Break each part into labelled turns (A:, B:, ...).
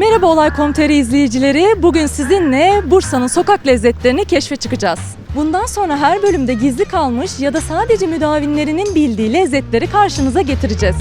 A: Merhaba Olay.com.tr izleyicileri. Bugün sizinle Bursa'nın sokak lezzetlerini keşfe çıkacağız. Bundan sonra her bölümde gizli kalmış ya da sadece müdavimlerinin bildiği lezzetleri karşınıza getireceğiz.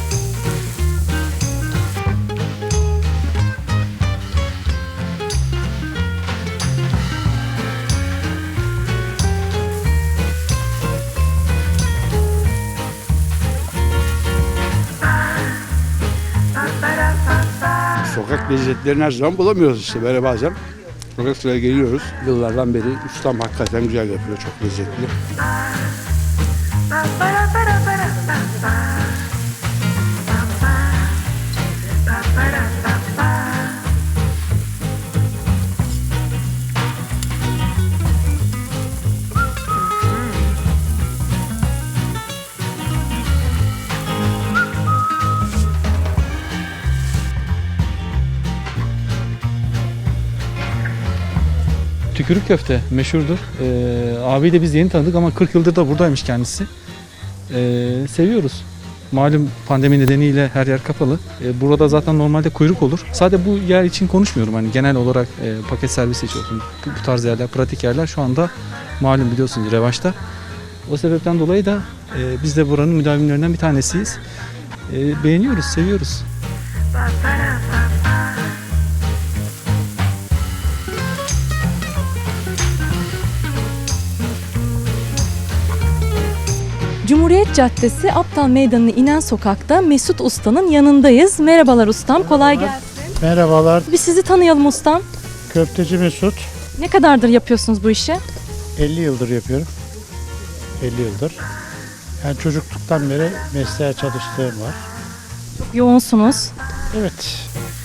B: Sokak lezzetlerini her zaman bulamıyoruz işte böyle bazen. Sokak sıraya geliyoruz. Yıllardan beri ustam hakikaten güzel yapıyor, çok lezzetli.
C: Tükürük köfte meşhurdur. Abiyi de biz yeni tanıdık ama 40 yıldır da buradaymış kendisi. Seviyoruz. Malum pandemi nedeniyle her yer kapalı. Burada zaten normalde kuyruk olur. Sadece bu yer için konuşmuyorum. Hani genel olarak paket servisi için olsun. Bu tarz yerler, pratik yerler şu anda malum biliyorsunuz revaçta. O sebepten dolayı da biz de buranın müdavimlerinden bir tanesiyiz. Beğeniyoruz, seviyoruz.
A: Cumhuriyet Caddesi Aptal Meydanı'na inen sokakta Mesut Usta'nın yanındayız. Merhabalar ustam, kolay gelsin.
D: Merhabalar,
A: Bir sizi tanıyalım ustam.
D: köfteci Mesut.
A: Ne kadardır yapıyorsunuz bu işi?
D: 50 yıldır yapıyorum. 50 yıldır. Yani çocukluktan beri mesleğe çalıştığım var.
A: Çok yoğunsunuz.
D: Evet,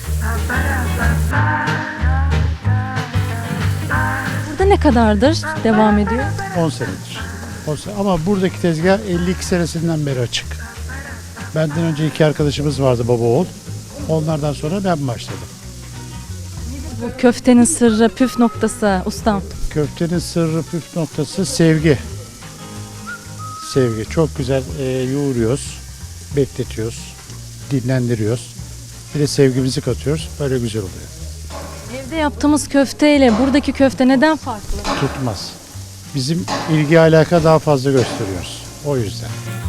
A: Burada ne kadardır devam ediyor?
D: 10 senedir. Ama buradaki tezgah 52 senesinden beri açık. Benden önce iki arkadaşımız vardı, baba oğul. Onlardan sonra ben başladım.
A: Bu köftenin sırrı, püf noktası ustam.
D: Köftenin sırrı, püf noktası sevgi. Sevgi. Çok güzel yoğuruyoruz, bekletiyoruz, dinlendiriyoruz. Bir de sevgimizi katıyoruz. Böyle güzel oluyor.
A: Evde yaptığımız köfteyle buradaki köfte neden farklı?
D: Tutmaz. Bizim ilgi alaka daha fazla gösteriyoruz. O yüzden.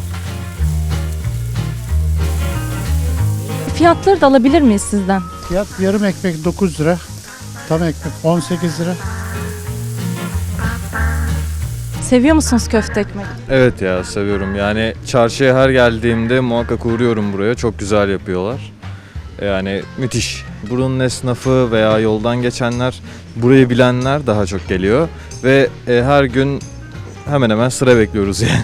A: Fiyatları da alabilir miyiz sizden?
D: Fiyat yarım ekmek 9 lira. Tam ekmek 18 lira.
A: Seviyor musunuz köfte ekmek?
E: Evet ya seviyorum. Yani çarşıya her geldiğimde muhakkak uğruyorum buraya. Çok güzel yapıyorlar. Yani müthiş. Buranın esnafı veya yoldan geçenler, burayı bilenler daha çok geliyor. Ve her gün hemen hemen sıra bekliyoruz yani.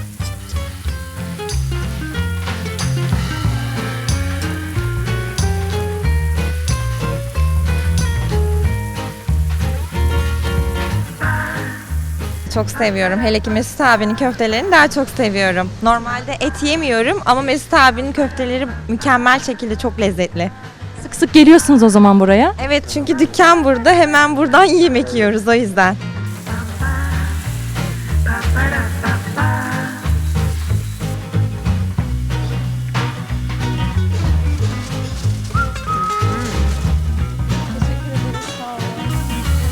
F: Çok seviyorum. Hele ki Mesut abinin köftelerini daha çok seviyorum. Normalde et yemiyorum ama Mesut abinin köfteleri mükemmel şekilde çok lezzetli.
A: Sık sık geliyorsunuz o zaman buraya.
F: Evet, çünkü dükkan burada, hemen buradan yemek yiyoruz o yüzden.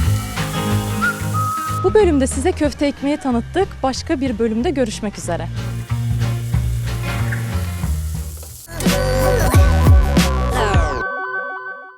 A: Bu bölümde size köfte ekmeği tanıttık. Başka bir bölümde görüşmek üzere.